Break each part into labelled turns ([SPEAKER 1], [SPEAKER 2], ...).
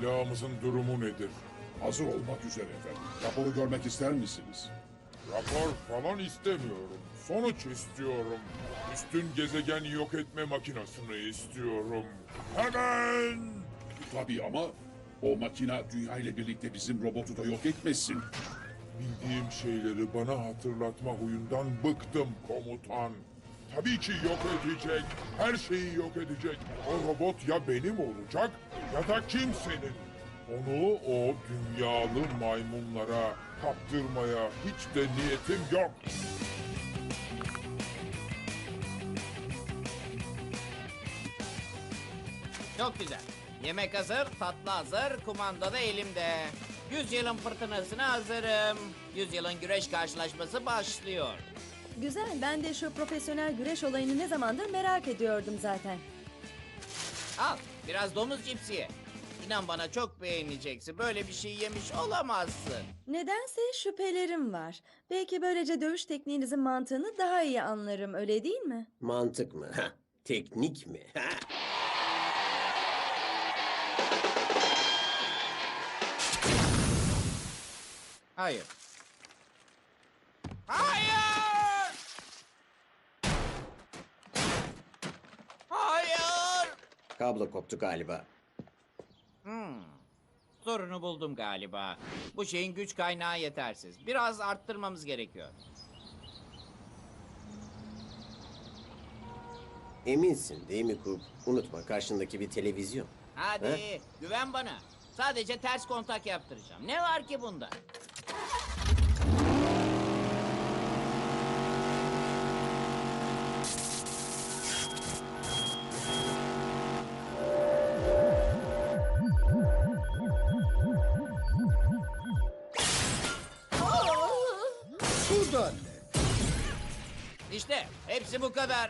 [SPEAKER 1] Silahımızın durumu nedir?
[SPEAKER 2] Hazır olmak üzere efendim. Raporu görmek ister misiniz?
[SPEAKER 1] Rapor falan istemiyorum. Sonuç istiyorum. Üstün gezegen yok etme makinesini istiyorum. Hemen!
[SPEAKER 2] Tabii ama o makina dünya ile birlikte bizim robotu da yok etmesin.
[SPEAKER 1] Bildiğim şeyleri bana hatırlatma huyundan bıktım komutan. Tabii ki yok edecek. Her şeyi yok edecek. O robot ya benim olacak ya da kimsenin. Onu o dünyalı maymunlara kaptırmaya hiç de niyetim yok.
[SPEAKER 3] Çok güzel. Yemek hazır, tatlı hazır, kumanda da elimde. 100 yılın fırtınasına hazırım. 100 yılın güreş karşılaşması başlıyor.
[SPEAKER 4] Güzel, ben de şu profesyonel güreş olayını ne zamandır merak ediyordum zaten.
[SPEAKER 3] Al, biraz domuz cipsi ye. İnan bana çok beğeneceksin. Böyle bir şey yemiş olamazsın.
[SPEAKER 4] Nedense şüphelerim var. Belki böylece dövüş tekniğinizin mantığını daha iyi anlarım, öyle değil mi?
[SPEAKER 5] Mantık mı? Ha, teknik mi? Ha.
[SPEAKER 3] Hayır. Hayır! Hayır!
[SPEAKER 5] Kablo koptu galiba.
[SPEAKER 3] Sorunu buldum galiba. Bu şeyin güç kaynağı yetersiz. Biraz arttırmamız gerekiyor.
[SPEAKER 5] Eminsin değil mi Kup? Unutma karşındaki bir televizyon.
[SPEAKER 3] Hadi güven bana. Sadece ters kontak yaptıracağım. Ne var ki bunda?
[SPEAKER 6] Buradan ne?
[SPEAKER 3] İşte hepsi bu kadar.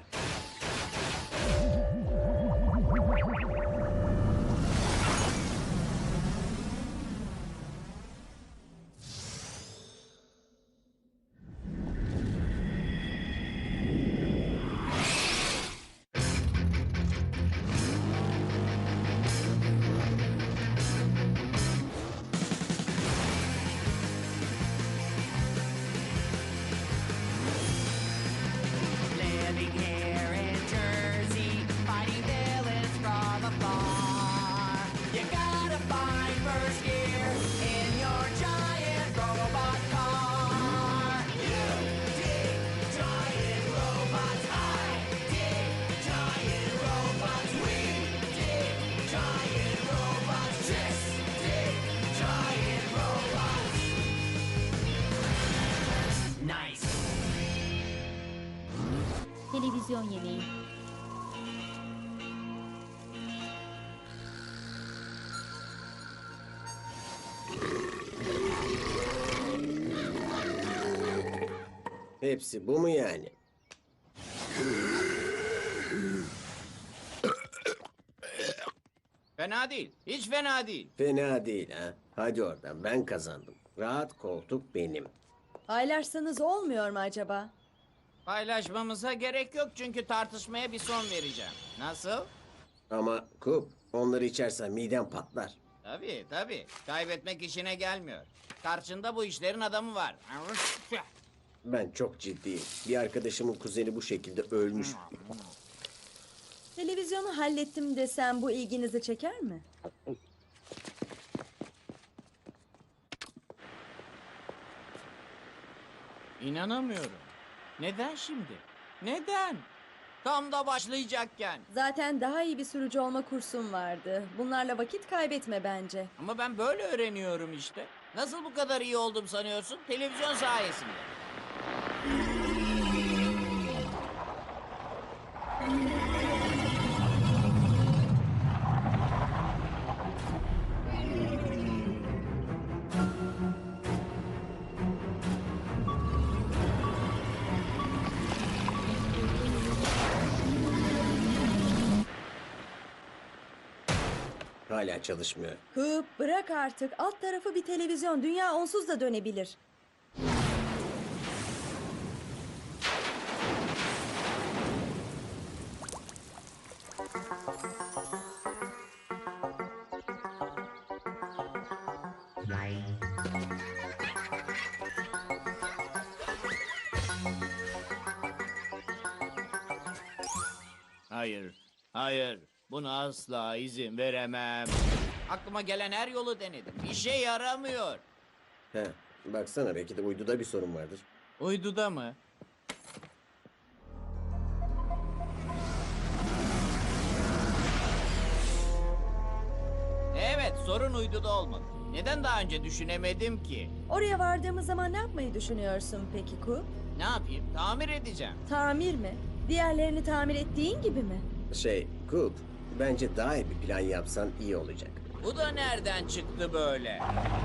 [SPEAKER 7] Living here in Jersey, fighting villains from afar. You gotta find first gear in your giant robot car. You dig giant robots, I dig giant robots, we dig giant robots, just dig giant robots. Nice.
[SPEAKER 8] Televizyon yemeği.
[SPEAKER 5] Hepsi bu mu yani?
[SPEAKER 3] Fena değil. Hiç fena değil.
[SPEAKER 5] Fena değil ha. Hadi oradan ben kazandım. Rahat koltuk benim.
[SPEAKER 4] Paylaşsanız olmuyor mu acaba?
[SPEAKER 3] Paylaşmamıza gerek yok çünkü tartışmaya bir son vereceğim. Nasıl?
[SPEAKER 5] Ama Kup onları içersen miden patlar.
[SPEAKER 3] Tabii tabii. Kaybetmek işine gelmiyor. Karşında bu işlerin adamı var.
[SPEAKER 5] Ben çok ciddiyim. Bir arkadaşımın kuzeni bu şekilde ölmüş.
[SPEAKER 4] Televizyonu hallettim desem bu ilginizi çeker mi?
[SPEAKER 3] İnanamıyorum. Neden şimdi? Neden? Tam da başlayacakken.
[SPEAKER 4] Zaten daha iyi bir sürücü olma kursum vardı. Bunlarla vakit kaybetme bence.
[SPEAKER 3] Ama ben böyle öğreniyorum işte. Nasıl bu kadar iyi oldum sanıyorsun? Televizyon sayesinde.
[SPEAKER 5] Hala çalışmıyor.
[SPEAKER 4] Hıp bırak artık. Alt tarafı bir televizyon. Dünya onsuz da dönebilir.
[SPEAKER 3] Hayır, hayır. Buna asla izin veremem. Aklıma gelen her yolu denedim. İşe yaramıyor.
[SPEAKER 5] He, baksana belki de uyduda bir sorun vardır.
[SPEAKER 3] Uyduda mı? Evet, sorun uyduda olmalı. Neden daha önce düşünemedim ki?
[SPEAKER 4] Oraya vardığımız zaman ne yapmayı düşünüyorsun peki Kup?
[SPEAKER 3] Ne yapayım? Tamir edeceğim.
[SPEAKER 4] Tamir mi? Diğerlerini tamir ettiğin gibi mi?
[SPEAKER 5] Coop, bence daha iyi bir plan yapsan iyi olacak.
[SPEAKER 3] Bu da nereden çıktı böyle?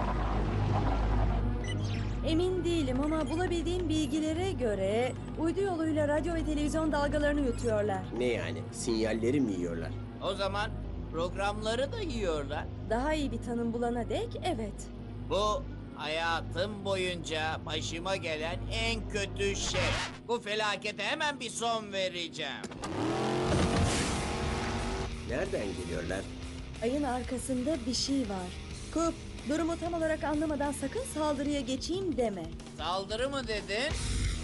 [SPEAKER 4] Emin değilim ama bulabildiğim bilgilere göre uydu yoluyla radyo ve televizyon dalgalarını yutuyorlar.
[SPEAKER 5] Ne yani? Sinyalleri mi yiyorlar?
[SPEAKER 3] O zaman programları da yiyorlar.
[SPEAKER 4] Daha iyi bir tanım bulana dek evet.
[SPEAKER 3] Bu hayatım boyunca başıma gelen en kötü şey. Bu felakete hemen bir son vereceğim.
[SPEAKER 5] Nereden geliyorlar?
[SPEAKER 4] Ayın arkasında bir şey var. Kup, durumu tam olarak anlamadan sakın saldırıya geçeyim deme.
[SPEAKER 3] Saldırı mı dedin?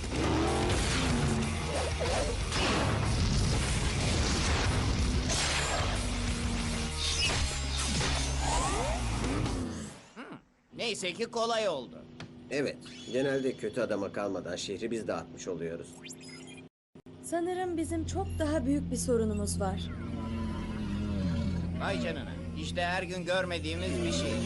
[SPEAKER 3] Neyse ki kolay oldu.
[SPEAKER 5] Evet, genelde kötü adama kalmadan şehri biz dağıtmış oluyoruz.
[SPEAKER 4] Sanırım bizim çok daha büyük bir sorunumuz var.
[SPEAKER 3] Vay canına. İşte her gün görmediğimiz bir şey.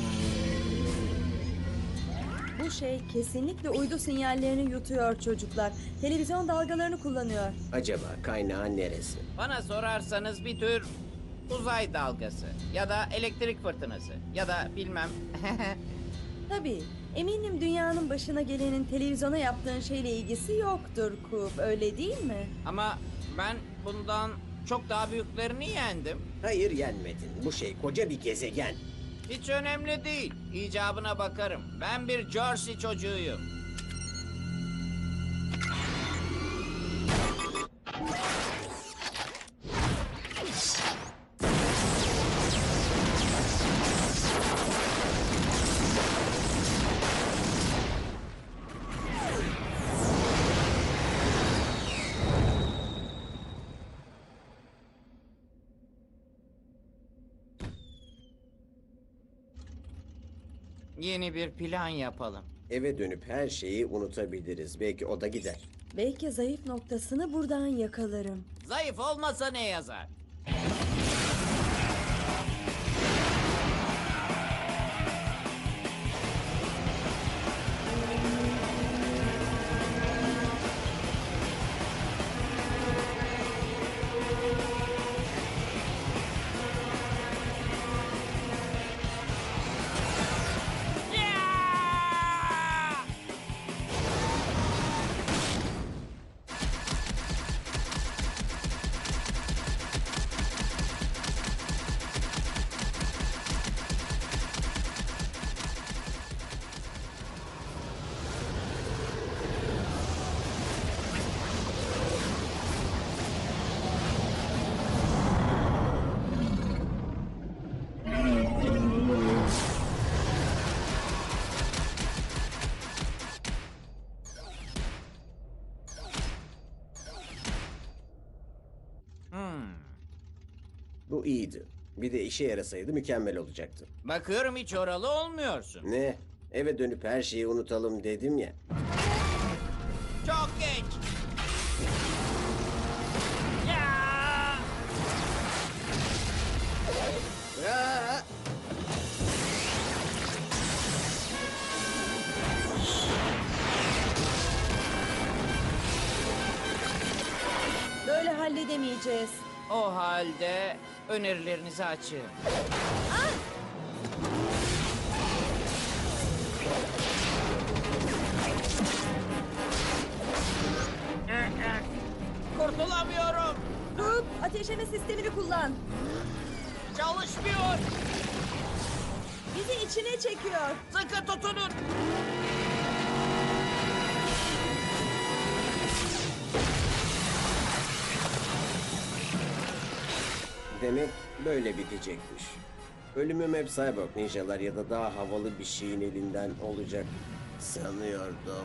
[SPEAKER 4] Bu şey kesinlikle uydu sinyallerini yutuyor çocuklar. Televizyon dalgalarını kullanıyor.
[SPEAKER 5] Acaba kaynağı neresi?
[SPEAKER 3] Bana sorarsanız bir tür uzay dalgası ya da elektrik fırtınası ya da bilmem.
[SPEAKER 4] Tabii, eminim dünyanın başına gelenin televizyona yaptığın şeyle ilgisi yoktur Kup, öyle değil mi?
[SPEAKER 3] Ama ben bundan çok daha büyüklerini yendim.
[SPEAKER 5] Hayır, yenmedin. Bu şey koca bir gezegen.
[SPEAKER 3] Hiç önemli değil. İcabına bakarım. Ben bir Jersey çocuğuyum. Yeni bir plan yapalım.
[SPEAKER 5] Eve dönüp her şeyi unutabiliriz. Belki o da gider.
[SPEAKER 4] Belki zayıf noktasını buradan yakalarım.
[SPEAKER 3] Zayıf olmasa ne yazar?
[SPEAKER 5] Bu iyiydi. Bir de işe yarasaydı mükemmel olacaktı.
[SPEAKER 3] Bakıyorum hiç oralı olmuyorsun.
[SPEAKER 5] Ne? Eve dönüp her şeyi unutalım dedim ya.
[SPEAKER 3] Çok geç. Ya!
[SPEAKER 5] Aa!
[SPEAKER 4] Böyle halledemeyeceğiz.
[SPEAKER 3] O halde önerilerinizi açın. Kurtulamıyorum.
[SPEAKER 4] Kup, ateşleme sistemini kullan.
[SPEAKER 3] Çalışmıyor.
[SPEAKER 4] Bizi içine çekiyor.
[SPEAKER 3] Sıkı tutunun.
[SPEAKER 5] Demek böyle bitecekmiş. Ölümüm hep Cyborg ninjalar ya da daha havalı bir şeyin elinden olacak sanıyordum.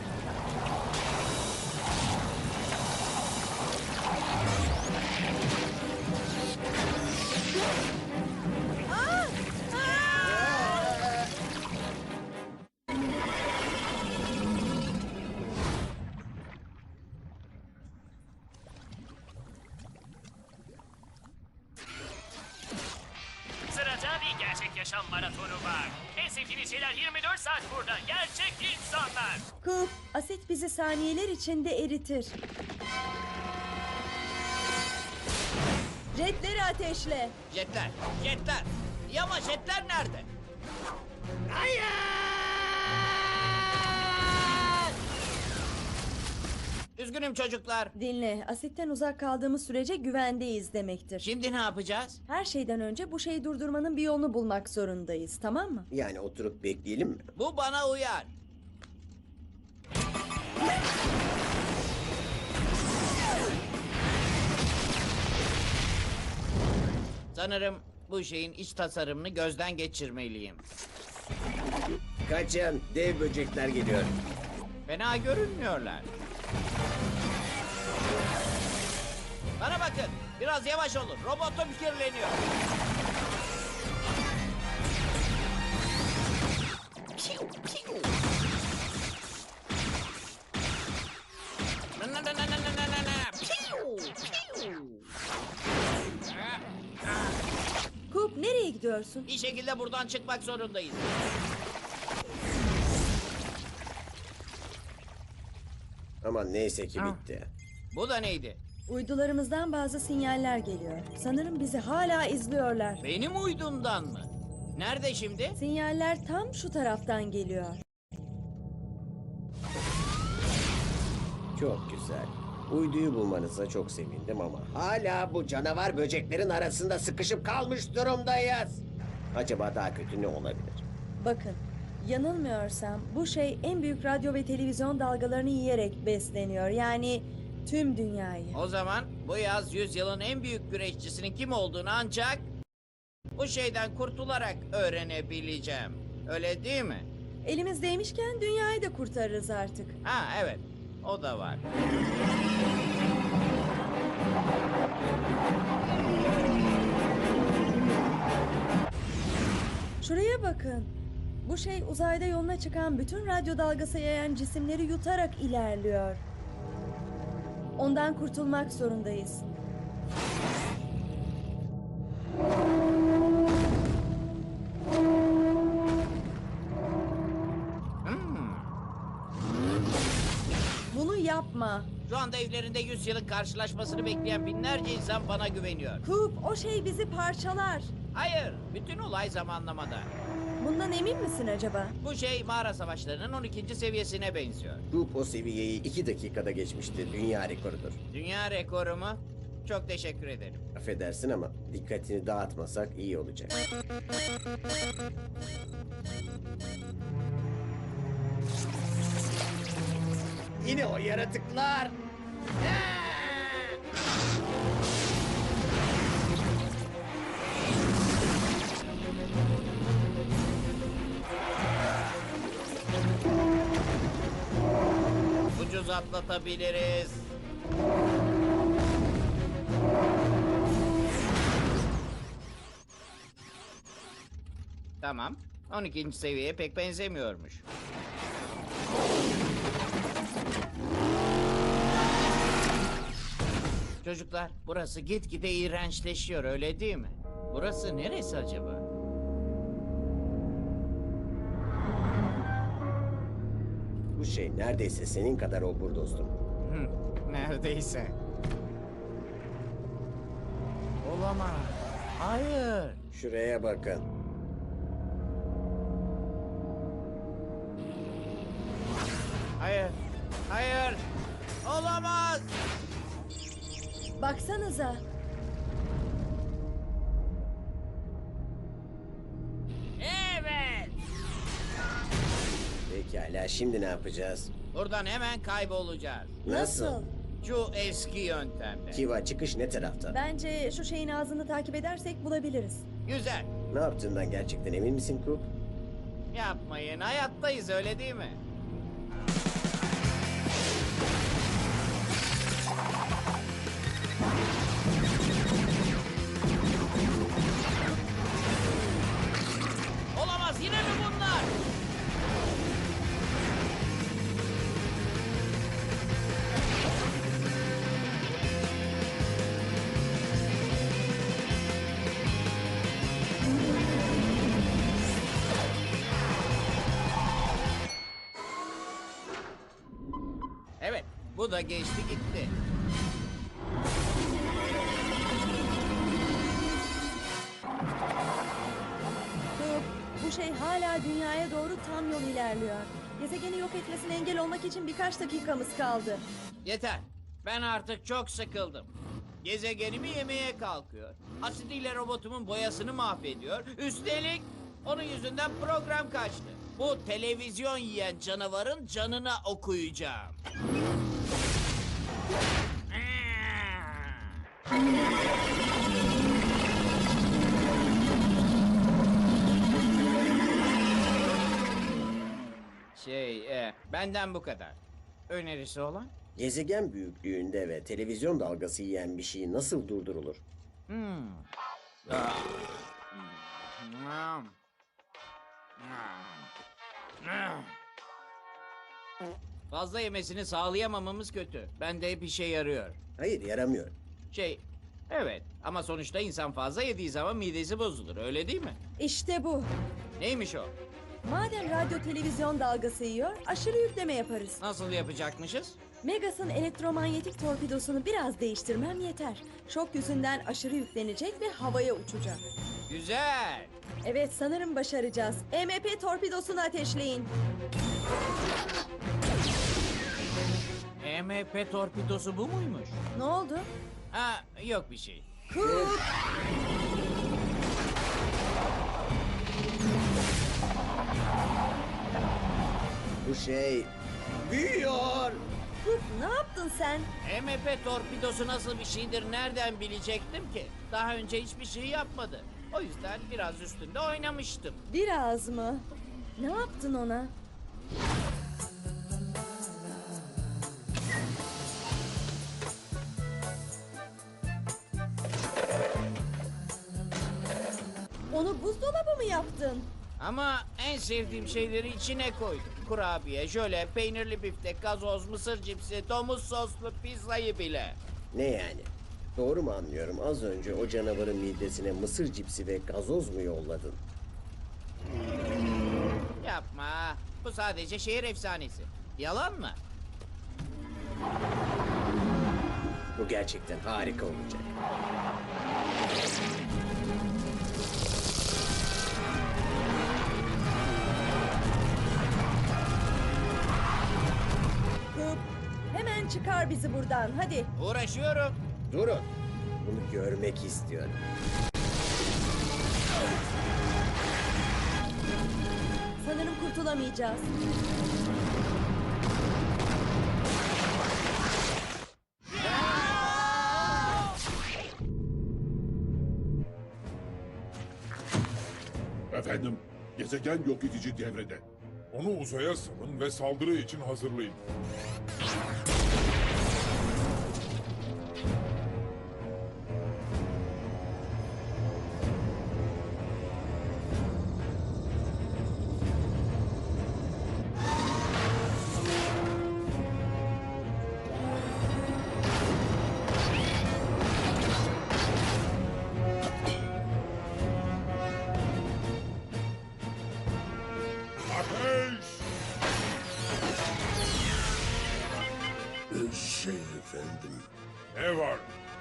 [SPEAKER 9] Sırada bir gerçek yaşam maratonu var. En sevdiğiniz şeyler 24 saat burada. Gerçek insanlar.
[SPEAKER 4] Coop, asit bizi saniyeler içinde eritir. Jetleri ateşle.
[SPEAKER 3] Jetler, jetler. İyi ama jetler nerede? Hayır! Üzgünüm çocuklar.
[SPEAKER 4] Dinle, asitten uzak kaldığımız sürece güvendeyiz demektir.
[SPEAKER 3] Şimdi ne yapacağız?
[SPEAKER 4] Her şeyden önce bu şeyi durdurmanın bir yolunu bulmak zorundayız, tamam mı?
[SPEAKER 5] Yani oturup bekleyelim mi?
[SPEAKER 3] Bu bana uyar. Sanırım bu şeyin iç tasarımını gözden geçirmeliyim.
[SPEAKER 5] Kaçın, dev böcekler geliyor.
[SPEAKER 3] Fena görünmüyorlar. Bana bakın, biraz yavaş olun. Robotum kirleniyor. Piu, piu. Na, na, na, na, na, na, na, na. Piu, piu.
[SPEAKER 4] Coop, nereye gidiyorsun?
[SPEAKER 3] Bir şekilde buradan çıkmak zorundayız.
[SPEAKER 5] Aman neyse ki bitti.
[SPEAKER 3] Bu da neydi?
[SPEAKER 4] Uydularımızdan bazı sinyaller geliyor. Sanırım bizi hala izliyorlar.
[SPEAKER 3] Benim uydumdan mı? Nerede şimdi?
[SPEAKER 4] Sinyaller tam şu taraftan geliyor.
[SPEAKER 5] Çok güzel. Uyduyu bulmanıza çok sevindim ama hala bu canavar böceklerin arasında sıkışıp kalmış durumdayız. Acaba daha kötü ne olabilir?
[SPEAKER 4] Bakın, yanılmıyorsam bu şey en büyük radyo ve televizyon dalgalarını yiyerek besleniyor. Yani tüm dünyayı.
[SPEAKER 3] O zaman bu yaz 100 yılın en büyük güreşçisinin kim olduğunu ancak bu şeyden kurtularak öğrenebileceğim. Öyle değil mi?
[SPEAKER 4] Elimizdeymişken dünyayı da kurtarırız artık.
[SPEAKER 3] Ha evet, o da var.
[SPEAKER 4] Şuraya bakın. Bu şey uzayda yoluna çıkan bütün radyo dalgası yayan cisimleri yutarak ilerliyor. Ondan kurtulmak zorundayız. Bunu yapma.
[SPEAKER 3] Şu anda evlerinde 100 yılın karşılaşmasını bekleyen binlerce insan bana güveniyor.
[SPEAKER 4] Coop, o şey bizi parçalar.
[SPEAKER 3] Hayır, bütün olay zamanlamada.
[SPEAKER 4] Bundan emin misin acaba?
[SPEAKER 3] Bu şey mağara savaşlarının 12. seviyesine benziyor.
[SPEAKER 5] Grup o seviyeyi 2 dakikada geçmişti. Dünya rekorudur.
[SPEAKER 3] Dünya rekoru mu? Çok teşekkür ederim.
[SPEAKER 5] Affedersin ama dikkatini dağıtmasak iyi olacak. Yine o yaratıklar.
[SPEAKER 3] Ucuz atlatabiliriz. Tamam. 12. seviyeye pek benzemiyormuş. Çocuklar, burası gitgide iğrençleşiyor, öyle değil mi? Burası neresi acaba?
[SPEAKER 5] Bu şey neredeyse senin kadar obur dostum.
[SPEAKER 3] Neredeyse. Olamaz. Hayır.
[SPEAKER 5] Şuraya bakın.
[SPEAKER 3] Hayır. Hayır. Olamaz.
[SPEAKER 4] Baksanıza.
[SPEAKER 3] Evet.
[SPEAKER 5] Pekala şimdi ne yapacağız?
[SPEAKER 3] Buradan hemen kaybolacağız.
[SPEAKER 5] Nasıl?
[SPEAKER 3] Şu eski yöntemle.
[SPEAKER 5] Kiva çıkış ne tarafta?
[SPEAKER 4] Bence şu şeyin ağzını takip edersek bulabiliriz.
[SPEAKER 3] Güzel.
[SPEAKER 5] Ne yaptığından gerçekten emin misin Coop?
[SPEAKER 3] Yapmayın, hayattayız öyle değil mi? Olamaz, yine mi bunlar? Evet, bu da geçti gitti.
[SPEAKER 4] Coop, bu şey hala dünyaya doğru tam yol ilerliyor. Gezegeni yok etmesine engel olmak için birkaç dakikamız kaldı.
[SPEAKER 3] Yeter. Ben artık çok sıkıldım. Gezegenimi yemeye kalkıyor. Asidiyle robotumun boyasını mahvediyor. Üstelik onun yüzünden program kaçtı. Bu televizyon yiyen canavarın canına okuyacağım. Benden bu kadar. Önerisi olan?
[SPEAKER 5] Gezegen büyüklüğünde ve televizyon dalgası yiyen bir şey nasıl durdurulur?
[SPEAKER 3] Fazla yemesini sağlayamamamız kötü. Bende hep işe yarıyor.
[SPEAKER 5] Hayır, yaramıyor.
[SPEAKER 3] Evet ama sonuçta insan fazla yediği zaman midesi bozulur, öyle değil mi?
[SPEAKER 4] İşte bu.
[SPEAKER 3] Neymiş o?
[SPEAKER 4] Madem radyo televizyon dalgası yiyor, aşırı yükleme yaparız.
[SPEAKER 3] Nasıl yapacakmışız?
[SPEAKER 4] Megas'ın elektromanyetik torpidosunu biraz değiştirmem yeter. Şok yüzünden aşırı yüklenecek ve havaya uçacak.
[SPEAKER 3] Güzel.
[SPEAKER 4] Evet, sanırım başaracağız. EMP torpidosunu ateşleyin.
[SPEAKER 3] EMP torpidosu bu muymuş?
[SPEAKER 4] Ne oldu?
[SPEAKER 3] Ha, yok bir şey.
[SPEAKER 4] Coop!
[SPEAKER 5] Bu şey büyüyor.
[SPEAKER 4] Coop, ne yaptın sen?
[SPEAKER 3] EMP torpidosu nasıl bir şeydir nereden bilecektim ki? Daha önce hiçbir şey yapmadı. O yüzden biraz üstünde oynamıştım.
[SPEAKER 4] Biraz mı? Ne yaptın ona? Onu buzdolabı mı yaptın?
[SPEAKER 3] Ama en sevdiğim şeyleri içine koydum. Kurabiye, jöle, peynirli biftek, gazoz, mısır cipsi, domuz soslu pizzayı bile.
[SPEAKER 5] Ne yani? Doğru mu anlıyorum? Az önce o canavarın midesine mısır cipsi ve gazoz mu yolladın?
[SPEAKER 3] Yapma. Bu sadece şehir efsanesi. Yalan mı?
[SPEAKER 5] Bu gerçekten harika olacak.
[SPEAKER 4] Coop, hemen çıkar bizi buradan, hadi.
[SPEAKER 3] Uğraşıyorum.
[SPEAKER 5] Durun. Bunu görmek istiyorum.
[SPEAKER 4] Sanırım kurtulamayacağız.
[SPEAKER 2] Efendim, gezegen yok edici devrede.
[SPEAKER 1] Onu uzaya salın ve saldırı için hazırlayın. Ateş!
[SPEAKER 2] Efendim.
[SPEAKER 1] Ne var?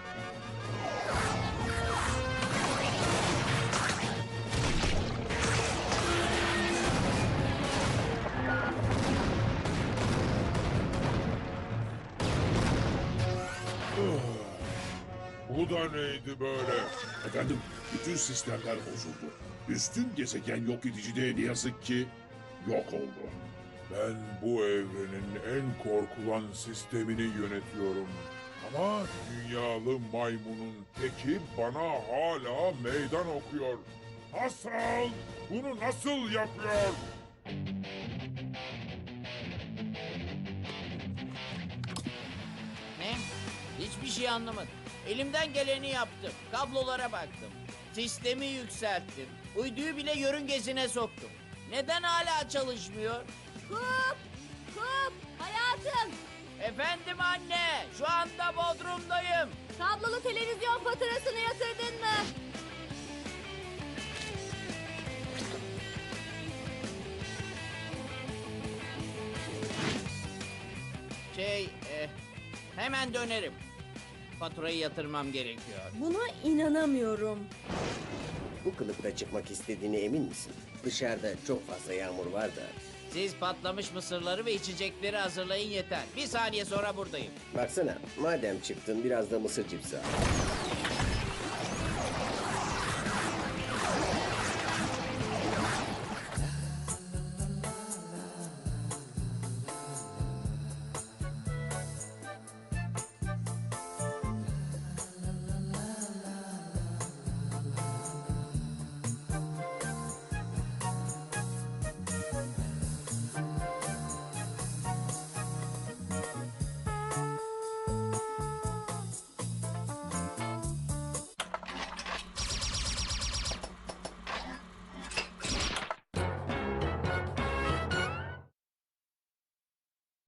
[SPEAKER 1] Bu da neydi böyle?
[SPEAKER 2] Efendim, bütün sistemler bozuldu. Üstün gezegen yok edici de ne yazık ki yok oldu.
[SPEAKER 1] Ben bu evrenin en korkulan sistemini yönetiyorum. Ama dünyalı maymunun teki bana hala meydan okuyor. Nasıl? Bunu nasıl yapıyor?
[SPEAKER 3] Ne? Hiçbir şey anlamadım. Elimden geleni yaptım. Kablolara baktım. Sistemi yükselttim. Uyduyu bile yörüngesine soktum. Neden hala çalışmıyor?
[SPEAKER 4] Kup! Kup! Hayatım!
[SPEAKER 3] Efendim anne, şu anda Bodrum'dayım.
[SPEAKER 4] Kablolu televizyon faturasını yatırdın mı?
[SPEAKER 3] Hemen dönerim. Faturayı yatırmam gerekiyor.
[SPEAKER 4] Buna inanamıyorum.
[SPEAKER 5] Bu kılıkta çıkmak istediğine emin misin? Dışarıda çok fazla yağmur var da.
[SPEAKER 3] Siz patlamış mısırları ve içecekleri hazırlayın yeter. Bir saniye sonra buradayım.
[SPEAKER 5] Baksana, madem çıktın biraz da mısır cipsi al.